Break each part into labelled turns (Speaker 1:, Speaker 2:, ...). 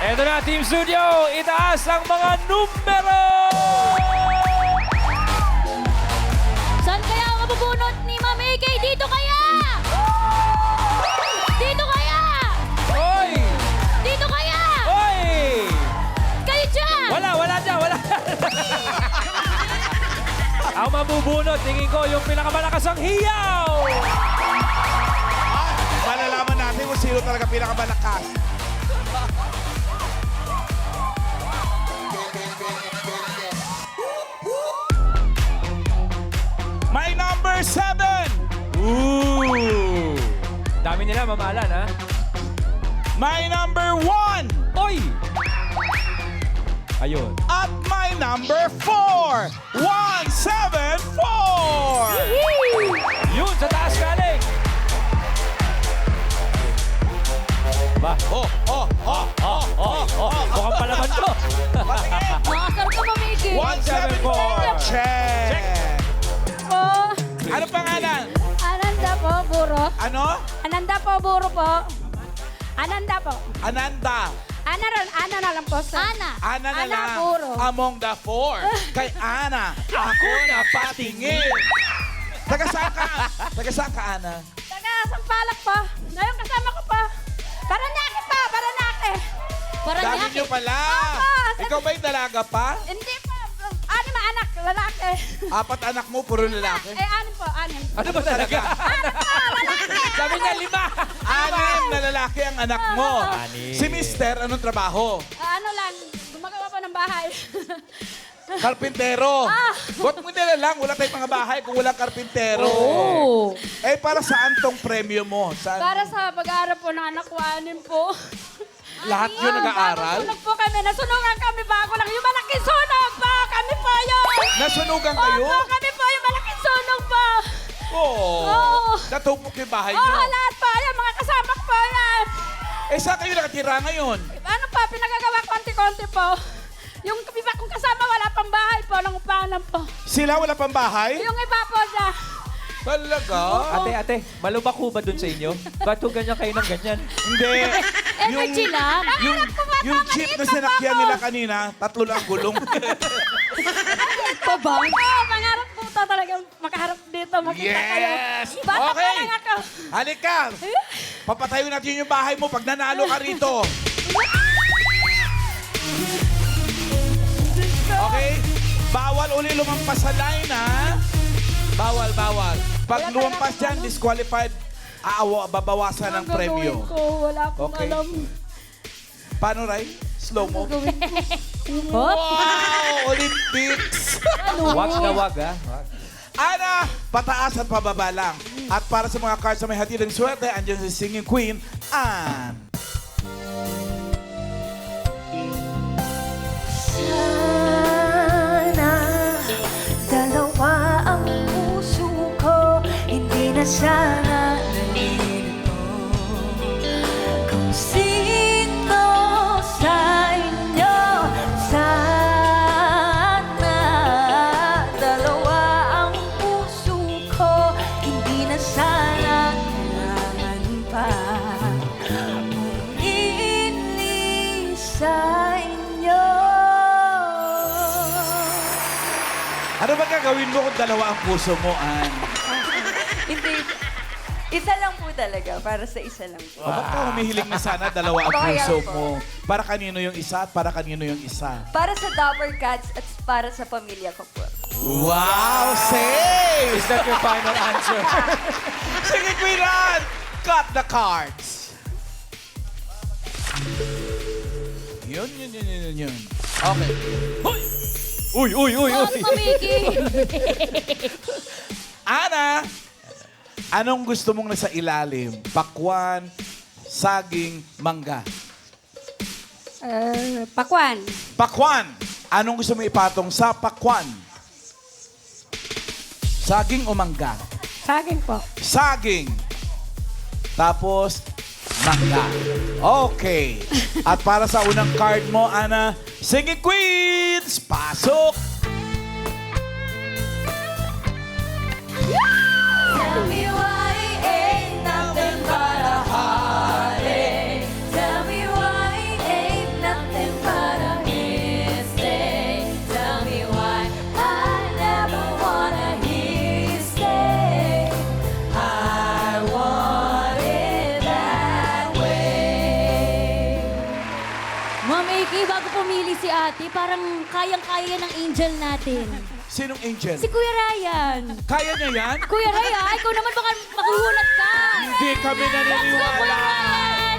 Speaker 1: Eto na, Team Studio, itaas ang mga numero!
Speaker 2: Saan kaya ang mabubunot ni Ma'am AK? Dito kaya! Dito kaya!
Speaker 1: Hoy!
Speaker 2: Dito kaya!
Speaker 1: Hoy!
Speaker 2: Kayo dyan!
Speaker 1: Wala dyan, wala. Ang mabubunot, tingin ko, yung pinakamalakas ang hiyaw!
Speaker 3: Malalaman natin kung sino talaga pinakamalakas. My number 7!
Speaker 1: Ooh! Dami nila mamahalan, ha?
Speaker 3: My number 1!
Speaker 1: Oy! Ayun.
Speaker 3: At my number 4! 174!
Speaker 1: Yun, sa taas galing! Ba?
Speaker 3: Oh!
Speaker 1: Mukhang palaban to.
Speaker 2: Makasar ka, Ma'am AK.
Speaker 3: 174! Check!
Speaker 2: Po.
Speaker 3: Ano pangalan?
Speaker 2: Ananda po, buro.
Speaker 3: Ano?
Speaker 2: Ananda po, buro po. Ananda po.
Speaker 3: Ananda.
Speaker 2: Ana na lang po, sir. Ana.
Speaker 3: Ana na lang
Speaker 2: buro.
Speaker 3: among the 4. Kay Ana, ako na patingin. Taga saan ka? Taga saan ka, Ana?
Speaker 2: Taga Sampalak po. Ngayon kasama ko po. Paranake pa, Paranake.
Speaker 3: Dami niyo pala.
Speaker 2: Opo.
Speaker 3: Ikaw ba'y dalaga pa?
Speaker 2: Hindi po. Anim anak, lalaki.
Speaker 3: 4 anak mo, puro lalaki.
Speaker 2: Anim po, anim.
Speaker 1: Ano ba talaga?
Speaker 2: Anim po, lalaki.
Speaker 1: Sabi niya, 5.
Speaker 3: 6 na lalaki ang anak mo.
Speaker 1: Anim.
Speaker 3: Si Mister, anong trabaho?
Speaker 2: Ano lang, gumagawa po ng bahay.
Speaker 3: Karpintero. Ba't mo nila lang? Wala tayong mga bahay kung walang karpintero.
Speaker 2: Oo.
Speaker 3: Eh, para saan tong premyo mo? Saan?
Speaker 2: Para sa pag-aaral po ng anak ko, anim po.
Speaker 3: Lahat yun nag-aaral?
Speaker 2: Sunog po kami, nasunugan kami bago lang. Yung malaking sunog po, kami po yun.
Speaker 3: Nasunugan kayo?
Speaker 2: Opo, kami po yung malaking sunog po.
Speaker 3: Oo. Natupok yung bahay
Speaker 2: Oo,
Speaker 3: niyo.
Speaker 2: lahat po, yan, mga kasama ko po yan.
Speaker 3: Eh, saan kayo nakatira ngayon?
Speaker 2: Ano pa, pinagagawa konti-konti po. Yung iba kong kasama, wala pang bahay po, lang upanan po.
Speaker 3: Sila wala pang bahay?
Speaker 2: Yung iba po na,
Speaker 3: Talaga?
Speaker 1: Ate, malubak ho ba dun sa inyo? Ba't ho ganyan kayo ng ganyan?
Speaker 3: Hindi.
Speaker 2: energy lang.
Speaker 3: Yung, yung jeep na sinakyan nila kanina, 3 lang gulong.
Speaker 2: Pa ba? Oo, pangarap po to talaga makaharap dito, makita kayo.
Speaker 3: Yes!
Speaker 2: Bata pa
Speaker 3: Okay.
Speaker 2: lang ako.
Speaker 3: Halika! Papatayo natin yung bahay mo pag nanalo ka rito. Okay? Bawal uli lumampas sa line, ha? Bawal. Pag lumampas dyan, disqualified, babawasan ng
Speaker 2: Ang
Speaker 3: premyo.
Speaker 2: gagawin ko, wala akong
Speaker 3: Okay.
Speaker 2: alam.
Speaker 3: Paano, Ray? Slow mo.
Speaker 2: Gagawin ko.
Speaker 3: Wow! Olympics!
Speaker 1: Wag na wag, ha? Wag.
Speaker 3: Ana, pataas at pababa lang. At para sa mga cards na may hatid ng swerte, andyan si Singing Queen, Anne.
Speaker 4: Sana dalawa ang puso ko, hindi na sana nalilito. Kung sino sa inyo, sana dalawa ang puso ko, hindi na sana kailangan pa. Kung ini sa inyo.
Speaker 3: Ano ba gagawin mo kung dalawa ang puso mo, Anne?
Speaker 5: Hindi. Isa lang po talaga. Para sa isa lang po.
Speaker 3: Ba't ka humihiling na sana dalawa ang
Speaker 5: Kaya
Speaker 3: puso
Speaker 5: po.
Speaker 3: mo? Para kanino yung isa at para kanino yung isa?
Speaker 5: Para sa Dapper Cats at para sa pamilya ko po.
Speaker 3: Wow! Safe!
Speaker 1: Is that your final answer?
Speaker 3: Sige, Queen Anne! Cut the cards! Yun. Okay.
Speaker 1: Uy!
Speaker 2: Ano, Miki?
Speaker 3: Ana, anong gusto mong nasa ilalim? Pakwan, saging, mangga.
Speaker 2: Pakwan.
Speaker 3: Pakwan, anong gusto mong ipatong sa pakwan? Saging o mangga?
Speaker 2: Saging po.
Speaker 3: Saging. Tapos, mangga. Okay. At para sa unang card mo, Ana, Singing Queens, pasok!
Speaker 4: Tell me why ain't nothing but a heartache. Tell me why ain't nothing Ma'am AK, bago pumili si ate, parang kayang-kaya ng angel natin.
Speaker 3: Sinong angel?
Speaker 4: Si Kuya Ryan.
Speaker 3: Kaya niya yan?
Speaker 4: Kuya Ryan, ikaw naman baka maguhulat ka.
Speaker 3: Hindi kami
Speaker 4: Let's go, Kuya
Speaker 3: naniniwala.
Speaker 4: Ryan!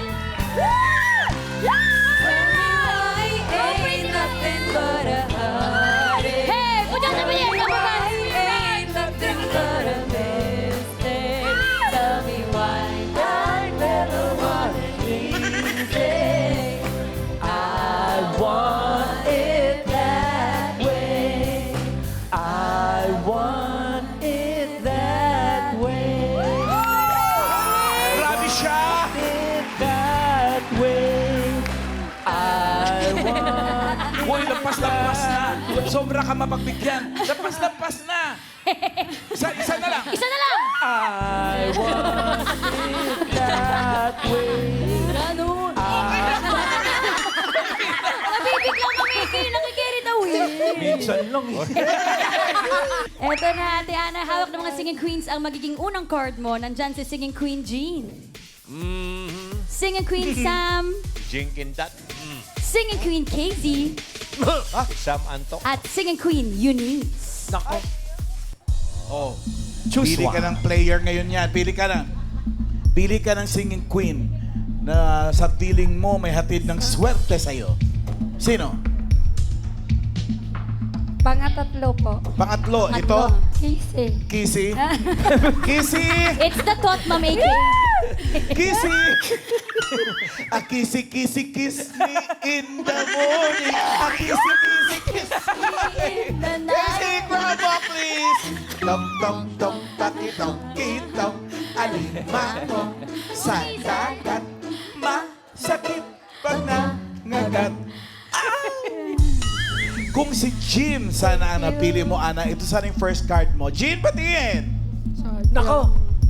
Speaker 5: Ain't nothing but a heartache.
Speaker 4: Hey, punya sa pinya,
Speaker 5: Ain't nothing but a mistake. Tell me why I never wanted easy. I want it that way. I want it that way.
Speaker 3: Grabe siya!
Speaker 5: That way. I want.
Speaker 3: Uy, lampas-lampas na. Sobra ka mapagbigyan. Lampas-lampas na. Isa na lang.
Speaker 4: Isa na lang!
Speaker 5: I want it that way.
Speaker 4: Ano? Nabibig lang kami, nakikirit away.
Speaker 3: Minsan lang eh.
Speaker 4: Eto na, Ate Ana, hawak ng mga singing queens ang magiging unang card mo. Nandyan si Singing Queen Jean. Singing Queen Sam.
Speaker 6: Jinkin that.
Speaker 4: Singing Queen Casey.
Speaker 6: Sam Anto.
Speaker 4: At Singing Queen Eunice.
Speaker 1: Nako.
Speaker 3: Oh.
Speaker 1: Choose
Speaker 3: Pili
Speaker 1: one.
Speaker 3: ka ng player ngayon yan. Pili ka na. Pili ka ng singing queen na sa piling mo may hatid ng swerte sa'yo. Sino?
Speaker 2: Pangatatlo po.
Speaker 3: Pangatlo,
Speaker 4: Pangatlo.
Speaker 3: ito?
Speaker 2: Kisi.
Speaker 3: Kissy? Kissy!
Speaker 4: It's the thought, Ma'am AK.
Speaker 3: Kissy! A kissy, kissy, kiss me in the morning. A kissy, kissy, kiss me in the night. Kissy, grab up, please. Tom, tom, tom, taki-tom, kitom. Alimango sa dagat. Masakit pag nangagat. Kung si Jean sana ang napili mo, Ana, ito sana yung first card mo. Jean, batiin!
Speaker 1: Nako.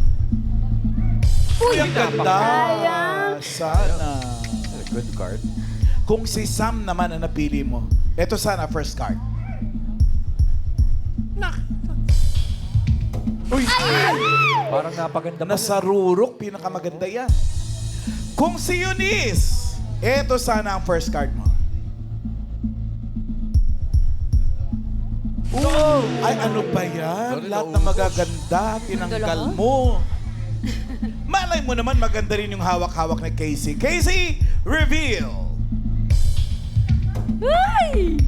Speaker 3: Uy, ang ganda! Sana.
Speaker 6: Good card.
Speaker 3: Kung si Sam naman ang napili mo, ito sana first card. Uy!
Speaker 1: Parang napaganda pa.
Speaker 3: Nasarurok, pinakamaganda yan. Kung si Eunice, ito sana ang first card mo. Oh, ay ano ba yan? Lahat na magaganda, tinanggal mo. Malay mo naman maganda rin yung hawak-hawak na Casey. Casey, reveal!
Speaker 4: Ay!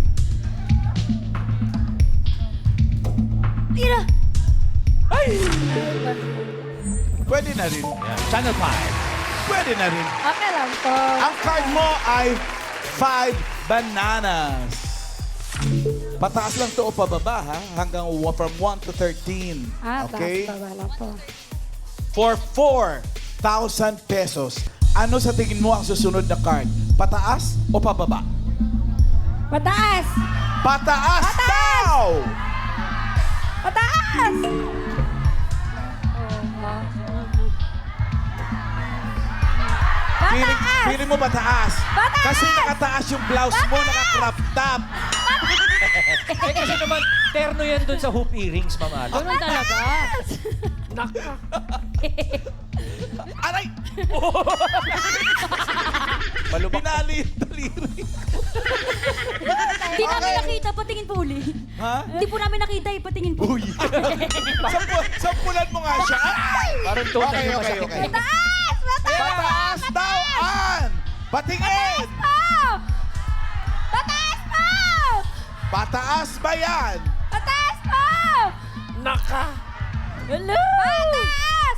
Speaker 4: Tira!
Speaker 3: Pwede na rin.
Speaker 1: Channel 5.
Speaker 3: Pwede na rin.
Speaker 2: Okay lang po.
Speaker 3: Ang card mo ay 5 bananas. Pataas lang to o pababa, ha? Hanggang from 1 to 13. Okay?
Speaker 2: Taas pa wala po.
Speaker 3: For 4,000 pesos, ano sa tingin mo ang susunod na card? Pataas o pababa?
Speaker 2: Pataas!
Speaker 3: Pataas daw!
Speaker 2: Pataas!
Speaker 3: Pili mo pataas. Kasi nakataas yung blouse mo, naka-crop top.
Speaker 1: Eh kasi naman, terno yan dun sa hoop earrings, Ma'am Ana.
Speaker 4: Ganun talaga.
Speaker 1: Nako.
Speaker 3: Aray! Pinali yung daliri.
Speaker 4: Di namin nakita, patingin po uli.
Speaker 3: Ha?
Speaker 4: Di po namin nakita, patingin po.
Speaker 3: Uy! Sampulan mo nga siya. Ay!
Speaker 1: Parang total
Speaker 3: Okay,
Speaker 1: yung
Speaker 3: okay,
Speaker 1: masakit.
Speaker 3: okay.
Speaker 2: Pataas!
Speaker 3: Pataas daw, An! Patingin!
Speaker 2: Pataas po!
Speaker 3: Pataas ba yan?
Speaker 2: Pataas po!
Speaker 1: Naka.
Speaker 4: Hello!
Speaker 2: Pataas!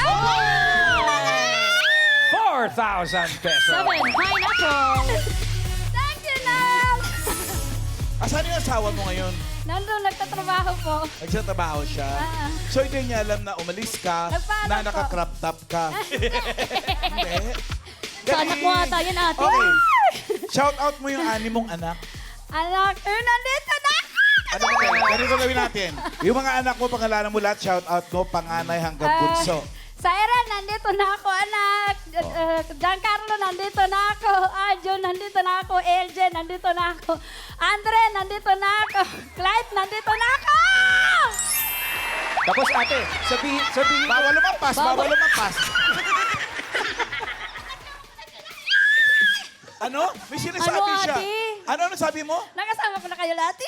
Speaker 1: 4,000 pesos.
Speaker 4: 7, pineapple.
Speaker 2: Thank you, Nam!
Speaker 3: Asan yung asawa mo ngayon?
Speaker 2: Nandun, nagtatrabaho po.
Speaker 3: Nagsatrabaho siya.
Speaker 2: Ah.
Speaker 3: So hindi niya alam na umalis ka,
Speaker 2: Nagpaalam
Speaker 3: na
Speaker 2: po.
Speaker 3: naka-crop top ka. Hindi.
Speaker 4: Sa anak mo ata yan, ate.
Speaker 3: Okay. Shout out mo yung ani mong anak.
Speaker 2: Anak, nandito na ako!
Speaker 3: Ano ba yan? Ganito gawin natin. Yung mga anak mo, pangalanan mo lahat, shout out mo, panganay hanggang bunso.
Speaker 2: Sa Eren, nandito na ako, anak. Giancarlo, nandito na ako. Arjun, nandito na ako. LJ, nandito na ako. Andre, nandito na ako. Clyde, nandito na ako!
Speaker 1: Tapos ate, sabihin mo.
Speaker 3: Bawal lumampas, bawal lumampas. Ano? May sinasabi
Speaker 4: Ano,
Speaker 3: siya.
Speaker 4: ate?
Speaker 3: Ano sabi mo?
Speaker 2: Nakasama ko na kayo lahat.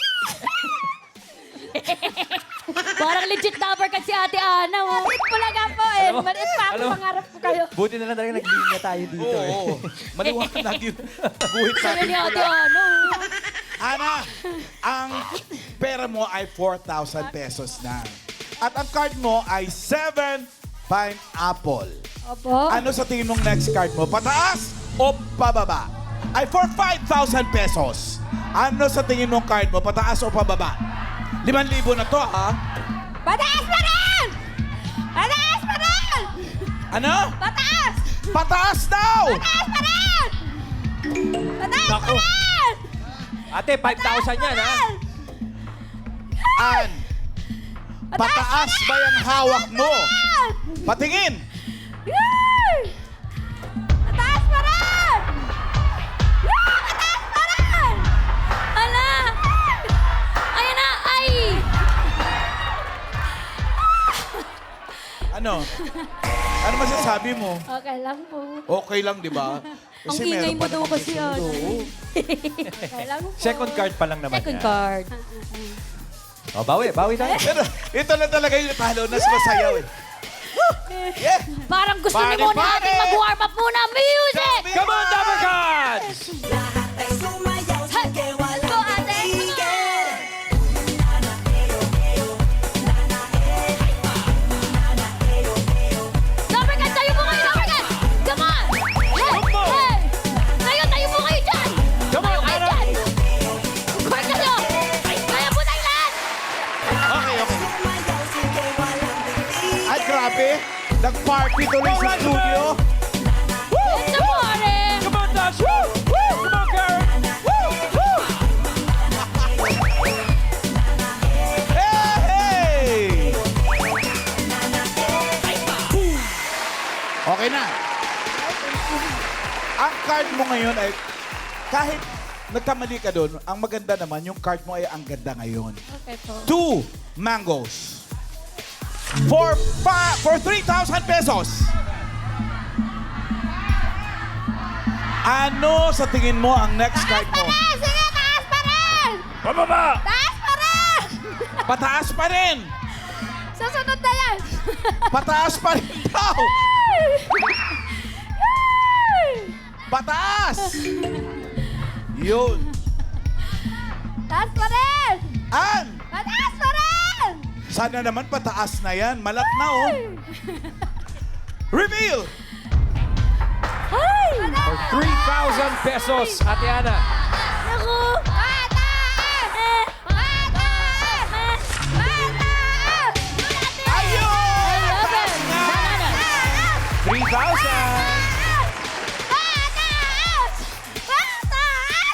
Speaker 4: Parang legit number ka si Ate Ana, oh.
Speaker 2: Maliit po lang po eh.
Speaker 1: Alam mo-
Speaker 2: Maliit pa ako,
Speaker 1: alam mo-
Speaker 2: pangarap ko kayo.
Speaker 1: Buti na lang talaga naglinya tayo dito eh.
Speaker 3: Oo. Maliwanag yun. Guhit
Speaker 4: Sana
Speaker 3: natin
Speaker 4: ni Ate
Speaker 3: pula.
Speaker 4: Ana, oh.
Speaker 3: Ana, ang pera mo ay 4,000 pesos na. At ang card mo ay 7 pineapple.
Speaker 2: Opo.
Speaker 3: Ano sa tingin mong next card mo? Pataas o pababa? Ay for 5,000 pesos. Ano sa tingin mong card mo? Pataas o pababa? 5,000 na to, ha?
Speaker 2: Pataas pa rin! Pataas pa rin!
Speaker 3: Ano?
Speaker 2: Pataas!
Speaker 3: Pataas daw!
Speaker 2: Pataas pa rin! Pataas pa
Speaker 1: Naku.
Speaker 2: rin!
Speaker 1: Ate, 5,000 yan ha.
Speaker 3: An, pataas ba yung hawak mo? Patingin!
Speaker 2: Yay! Pataas pa rin! Yay! Pataas pa rin!
Speaker 4: Ala! Ayan na! Ay!
Speaker 3: Ano? Ano masasabi mo?
Speaker 2: Okay lang po.
Speaker 3: Okay lang, di ba?
Speaker 4: Ang ingay mo daw kasi, ano.
Speaker 2: Okay lang po.
Speaker 1: Second card pa lang naman
Speaker 4: Second
Speaker 1: yan.
Speaker 4: card.
Speaker 1: Oh, bawi tayo.
Speaker 3: Pero ito na talaga yung talo na sumasayaw eh. Yeah!
Speaker 4: Parang gusto
Speaker 3: Pare,
Speaker 4: ni muna
Speaker 3: pare!
Speaker 4: natin mag-warm up muna. Music!
Speaker 1: Come on, Double Cards!
Speaker 2: Go, ate!
Speaker 4: Number gun, tayo po kayo, number gun! Come on! Hey! Hey! Tayo po kayo dyan!
Speaker 1: Come on,
Speaker 4: Tayo kayo
Speaker 1: Ana!
Speaker 4: dyan! Court kayo! Kaya po tayo lahat!
Speaker 3: Okay, okay. Ay, grabe. Nag-party tuloy sa studio.
Speaker 4: It's a party!
Speaker 1: Come on, Dash! Woo! Woo! Come on, Karen! Woo! Woo!
Speaker 3: Hey! Okay na. Ang card mo ngayon ay, kahit nagkamali ka doon, ang maganda naman, yung card mo ay ang ganda ngayon.
Speaker 2: Okay po.
Speaker 3: 2 mangoes. For 3,000 pesos. Ano sa tingin mo ang next card mo?
Speaker 2: Sige, taas pa rin!
Speaker 1: Pababa!
Speaker 2: Taas pa rin!
Speaker 3: Pataas pa rin.
Speaker 2: Susunod na yan!
Speaker 3: Pataas pa rin daw.
Speaker 2: Yay!
Speaker 3: Pataas. Yun.
Speaker 2: Taas pa rin!
Speaker 3: An,
Speaker 2: Pataas pa rin!
Speaker 3: sana naman pataas na yan. Malat na, oh. Reveal.
Speaker 2: Ay!
Speaker 1: For 3,000 pesos, Ate Ana.
Speaker 4: Naku!
Speaker 2: Pataas! Pataas! Pataas!
Speaker 3: Ayun!
Speaker 4: I love it!
Speaker 3: Pataas na.
Speaker 1: 3,000!
Speaker 2: Pataas! Pataas!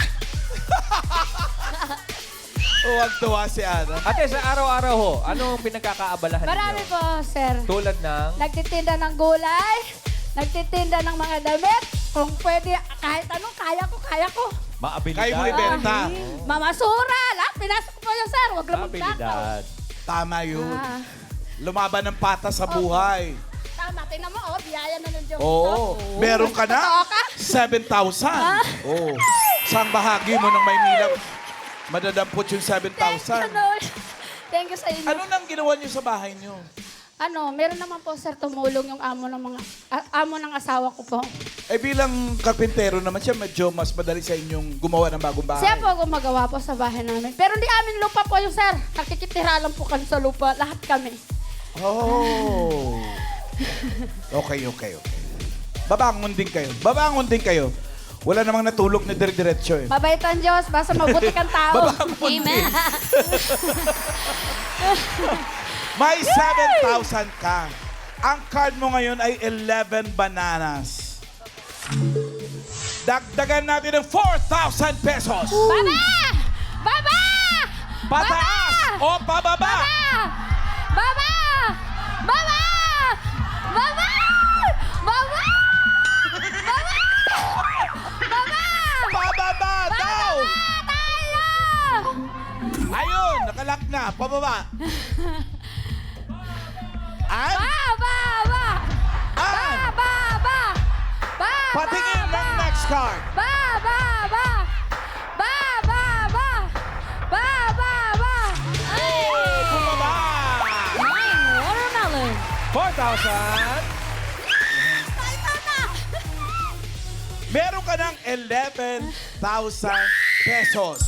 Speaker 3: Huwag-tuwa si Ana.
Speaker 1: Ate, sa araw-araw ho, anong pinagkakaabalahan
Speaker 2: Marami
Speaker 1: ninyo?
Speaker 2: po, sir.
Speaker 1: Tulad ng...
Speaker 2: Nagtitinda ng gulay, nagtitinda ng mga damit. Kung pwede, kahit anong, kaya ko.
Speaker 1: Maabilidad.
Speaker 3: Kayo mo ibenta.
Speaker 2: Mamasura, lahat. Pinasok ko po yun, sir. Huwag lang magnakaw.
Speaker 1: Maabilidad.
Speaker 3: Tama yun.
Speaker 2: Ah,
Speaker 3: Lumaban ng patas sa buhay.
Speaker 2: tama, tingnan mo, biyaya na ng Diyos.
Speaker 3: Oo. Meron ka na?
Speaker 2: Totoo ka?
Speaker 3: 7,000. Oo. Saan bahagi mo ng Maynila madadampot yung 7,000?
Speaker 2: Thank you sa inyo.
Speaker 3: Ano nang ginawa niyo sa bahay niyo?
Speaker 2: Meron naman po, sir, tumulong yung amo ng asawa ko po.
Speaker 3: Eh bilang karpintero naman siya, medyo mas madali sa inyong gumawa ng bagong bahay.
Speaker 2: Siya po gumagawa po sa bahay namin. Pero hindi amin lupa po yung sir. Nakikitira lang po kami sa lupa. Lahat kami.
Speaker 3: Oh. Okay. Babangon din kayo. Wala namang natulog na dire-diretso eh.
Speaker 2: Mabait ang Diyos. Basta mabuti kang tao.
Speaker 3: Babangon din.
Speaker 4: Amen!
Speaker 3: May 7,000 ka. Ang card mo ngayon ay 11 bananas. Dagdagan natin ng 4,000 pesos.
Speaker 2: Baba! Baba!
Speaker 3: Pataas o pababa?
Speaker 2: Baba! Baba! Baba! Baba! Baba! Baba!
Speaker 3: Pababa daw!
Speaker 2: Tayo!
Speaker 3: Ayun, nakalak na. Pababa. An?
Speaker 2: Baba!
Speaker 3: An?
Speaker 2: Baba! Baba!
Speaker 3: Patingin ng next next card.
Speaker 2: Ba, ba, ba. Ba, ba, ba. Ba, ba, ba. Ay!
Speaker 3: Bumaba!
Speaker 4: 9 watermelon.
Speaker 1: 4,000.
Speaker 3: Meron ka ng 11,000 pesos.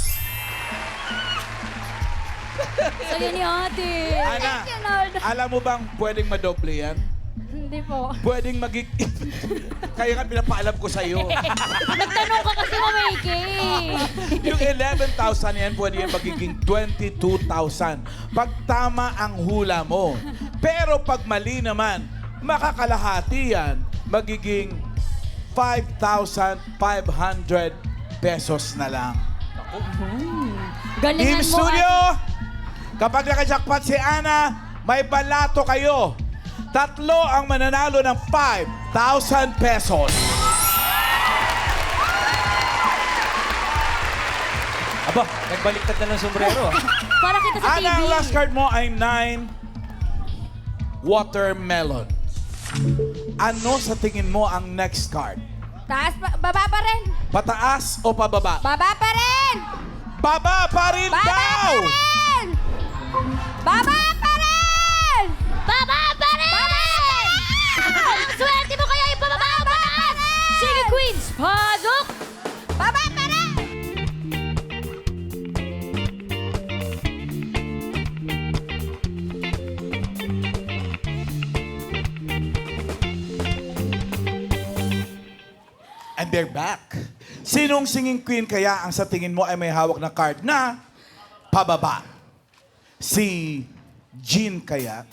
Speaker 4: Saya ni ate.
Speaker 3: Ana,
Speaker 2: you, Lord.
Speaker 3: alam mo bang pwedeng madoble yan?
Speaker 2: Hindi po.
Speaker 3: Pwedeng Kaya nga pinapaalam ko sa'yo.
Speaker 4: Nagtanong ka kasi mamiki.
Speaker 3: Yung 11,000 yan, pwede yan magiging 22,000. Pag tama ang hula mo. Pero pag mali naman, makakalahati yan, magiging 5,500 pesos na lang. Team
Speaker 4: Galingan mo,
Speaker 3: Studio,
Speaker 4: ate.
Speaker 3: kapag nakajakpat si Ana, may balato kayo. 3 ang mananalo ng 5,000 pesos.
Speaker 1: Aba, nagbaliktad na ng sombrero.
Speaker 4: Para kita sa TV.
Speaker 3: Ana, ang last card mo ay 9 watermelon. Ano sa tingin mo ang next card?
Speaker 2: Taas pa, baba pa rin.
Speaker 3: Pataas o pababa?
Speaker 2: Baba pa rin.
Speaker 3: Baba pa rin
Speaker 2: Baba
Speaker 3: daw!
Speaker 2: pa rin. Baba pa rin.
Speaker 4: Baba pa rin! Ang swerte mo kaya ipababa o pataas? Sige, Queens, pasok!
Speaker 2: Baba pa rin.
Speaker 3: And they're back. Sinong singing queen kaya ang sa tingin mo ay may hawak na card na pababa? Si Jean kaya?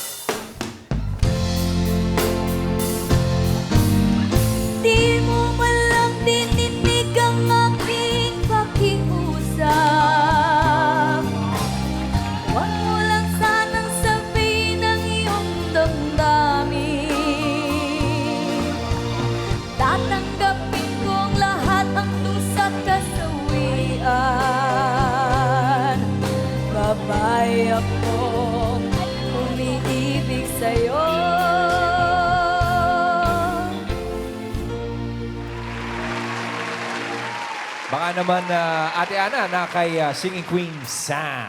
Speaker 4: Di mo man lang dininig ang aking pakiusap. Huwag mo lang sanang sabihin ang iyong damdamin. Tatanggapin ko ang lahat ang dusa't kasawian. Babae akong umiibig sa'yo.
Speaker 1: Baka naman, Ate Ana, na kay Singing Queen Sam.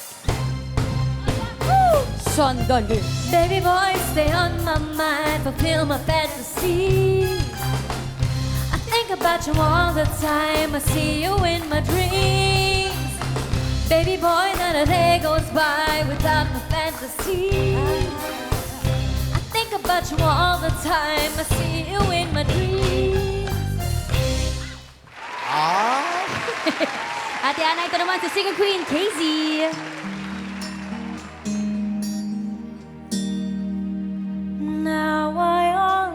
Speaker 4: Sandali. Baby boy, stay on my mind, fulfill my fantasy. I think about you all the time, I see you in my dreams. Baby boy, not a day goes by without my fantasy. I think about you all the time, I see you in my dreams. Ate Ana, ito naman si Singing Queen, Casey. Now I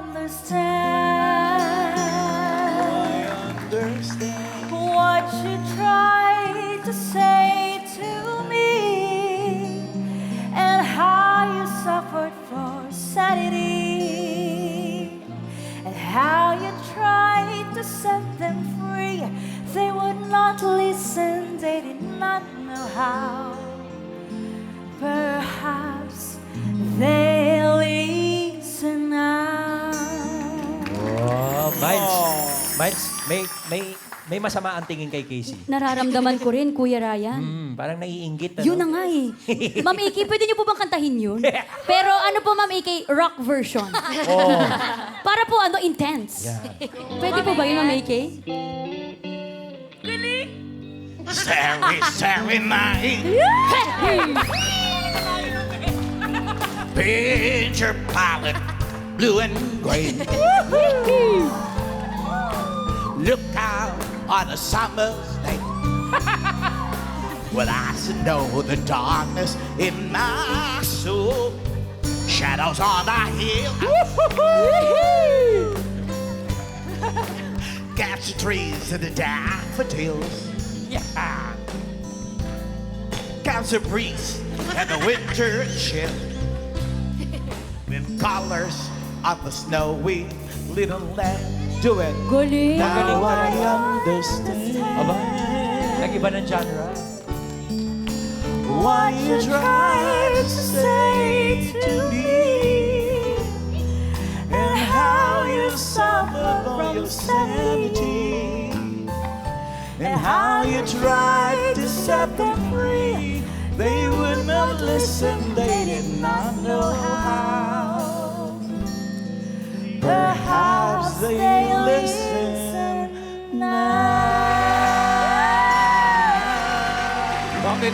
Speaker 4: understand what you tried to say to me and how you suffered for sanity and how you tried to set them free. They would not listen, they did not know how. Perhaps they'll listen now.
Speaker 1: Oh, Miles, may masama ang tingin kay Casey.
Speaker 4: Nararamdaman ko rin, Kuya Ryan.
Speaker 1: Parang naiinggit. Ano?
Speaker 4: Yun na nga eh. Ma'am Iki, pwede niyo po bang kantahin yun? Pero ano po, Ma'am Iki, rock version.
Speaker 1: Oh.
Speaker 4: Para po intense.
Speaker 1: Yeah.
Speaker 4: Pwede po ba yun, Ma'am Iki?
Speaker 3: Starry, starry night. Paint your palette blue and gray. Look out on a summer's day. Well, I should know the darkness in my soul. Shadows on the hill. Catch the trees and the daffodils. Yeah. Catch the breeze and the winter chill. With colors of the snowy little land. Do it.
Speaker 4: Galing.
Speaker 3: Now I understand.
Speaker 1: Aba, nag-iba ng genre.
Speaker 3: What you tried to say to me, and how you suffered from your sanity. how you tried to set them free. They would not listen, they did not know how. Perhaps they listen now.
Speaker 6: Bakit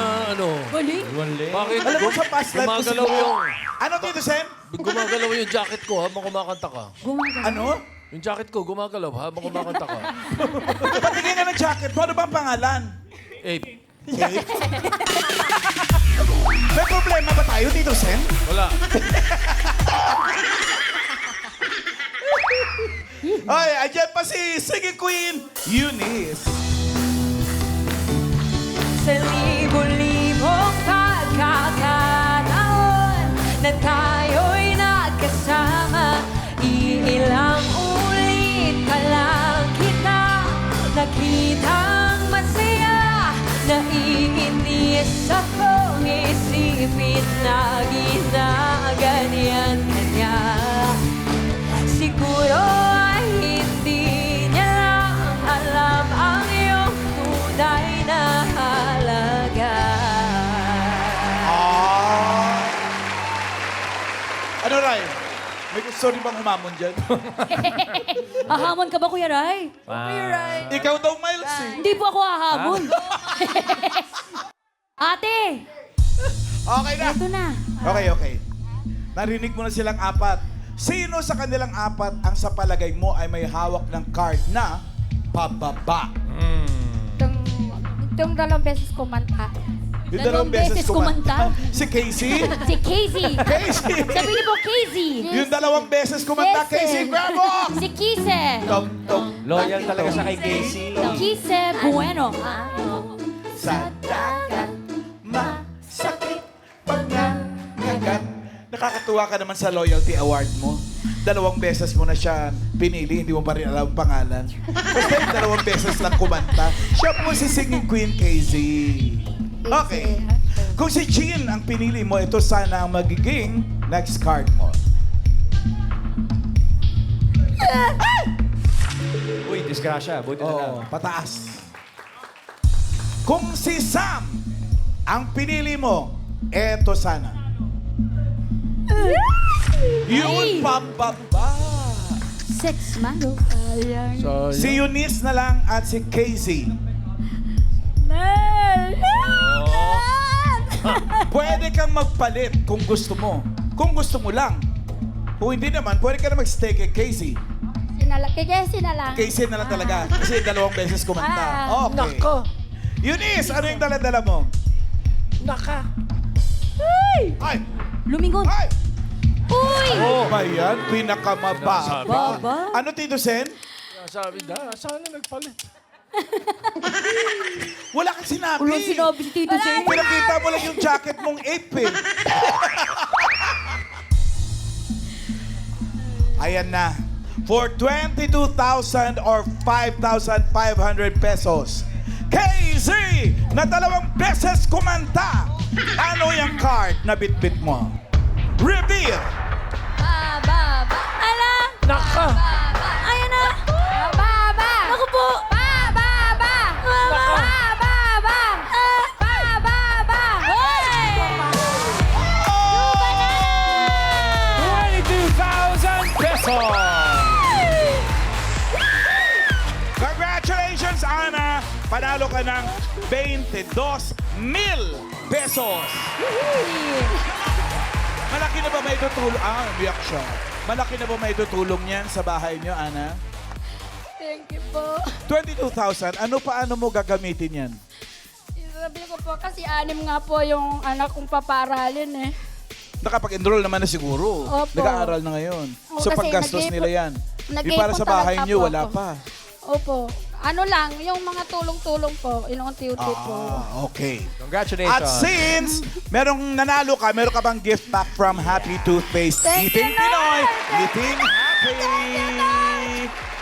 Speaker 6: Bakit
Speaker 3: Alam mo, sa past life ko
Speaker 6: gumagalaw
Speaker 3: siguro.
Speaker 6: yung...
Speaker 3: Ano, Tito Sen?
Speaker 6: Gumagalaw yung jacket ko habang kumakanta ka.
Speaker 3: Ano?
Speaker 6: Yung jacket ko gumagalaw habang kumakanta ka.
Speaker 3: Patingin ka ng jacket mo. Ano ba ang pangalan?
Speaker 6: Eh,
Speaker 3: May problema ba tayo, Tito Sen?
Speaker 6: wala.
Speaker 3: Ay, andyan pa si Singing Queen, Eunice.
Speaker 4: Sa libo-libong pagkakataon na tayo'y nagkasama, iilang ulit pa lang kita nakitang masaya. Naiinis akong isipin na ginaganyan ka niya. Siguro ay hindi niya lang alam ang iyong tunay na halaga.
Speaker 3: Ano, Ray? May gusto rin bang humamon dyan?
Speaker 2: Hahamon ka ba, Kuya Ray?
Speaker 3: Ikaw daw, Miles, eh.
Speaker 2: Hindi po ako hahamon. Ate,
Speaker 3: Okay na.
Speaker 2: ito na.
Speaker 3: Okay. Narinig mo na silang apat. Sino sa kanilang apat ang sa palagay mo ay may hawak ng card na pababa?
Speaker 2: Itong dalawang beses kumanta.
Speaker 3: Yung dalawang beses kumanta. Si Casey?
Speaker 2: Si Casey.
Speaker 3: Casey!
Speaker 2: Sabi niyo po, Casey.
Speaker 3: Yung dalawang beses kumanta,
Speaker 2: Yes,
Speaker 3: Casey
Speaker 2: eh.
Speaker 3: Bravo!
Speaker 2: Si Kise.
Speaker 1: Loyal talaga siya kay Casey.
Speaker 2: Kise Bueno.
Speaker 3: Sa dagat, masakit pangangagat. Nakakatuwa ka naman sa loyalty award mo. Dalawang beses mo na siya pinili, hindi mo pa rin alam ang pangalan. Basta yung dalawang beses lang kumanta. Siya po si Singing Queen Casey. Okay. Kung si Jean ang pinili mo, ito sana ang magiging next card mo.
Speaker 1: Uy, disgrasya. Buti na lang.
Speaker 3: Oo, pataas. Kung si Sam ang pinili mo, eto sana. Yun, pababa.
Speaker 2: Sex man.
Speaker 3: Si Eunice na lang at si Casey. Pwede kang magpalit kung gusto mo. Kung gusto mo lang. Kung hindi naman, pwede ka na mag-stay kay Casey.
Speaker 2: Kay Casey na lang.
Speaker 3: Casey na lang talaga. Kasi dalawang beses kumanta.
Speaker 2: Ah.
Speaker 3: Okay. Eunice, ano yung dala-dala mo? Ay!
Speaker 2: Lumingon.
Speaker 3: Ay!
Speaker 2: Uy!
Speaker 3: Oh, ba yan? Pinakamababa.
Speaker 2: Baba.
Speaker 3: Ano, Tito Sen?
Speaker 6: Sabi na, sana nagpalit.
Speaker 3: Wala kang sinabi.
Speaker 2: Walang sinabi si Tito Sen.
Speaker 3: Pinakita mo lang yung jacket mong ape eh. Ayan na. For 22,000 or 5,500 pesos. KZ na dalawang beses kumanta. Ano yung card na bitbit mo? Reveal!
Speaker 2: Baba. Ala.
Speaker 6: Naka!
Speaker 2: Ayan na. Baba. Naku po. Baba. Baba. Baba. Hoy!
Speaker 1: 22,000 pesos!
Speaker 3: Congratulations, Ana! Panalo ka ng 22,000 pesos. Malaki na ba may tutulong? Umiyak siya. Malaki na ba may tutulong niyan sa bahay niyo, Ana?
Speaker 2: Thank you po.
Speaker 3: 22,000, paano mo gagamitin yan?
Speaker 2: Sabi ko po, kasi 6 nga po yung anak kong paparalin eh.
Speaker 3: Nakapag-enroll naman na siguro.
Speaker 2: Opo.
Speaker 3: Nag-aaral na ngayon.
Speaker 2: Oo,
Speaker 3: So
Speaker 2: kasi
Speaker 3: paggastos nila yan. Yung para
Speaker 2: nag-iipon
Speaker 3: sa bahay
Speaker 2: talaga
Speaker 3: niyo,
Speaker 2: po
Speaker 3: wala
Speaker 2: ako.
Speaker 3: pa.
Speaker 2: Opo. Ano lang, yung mga tulong-tulong po, inunti-unti po.
Speaker 3: Okay.
Speaker 1: Congratulations.
Speaker 3: At since merong nanalo ka, meron ka bang gift pack from Happy Toothpaste?
Speaker 2: Thank you,
Speaker 3: Eating Pinoy,
Speaker 2: Lord!
Speaker 3: eating happy!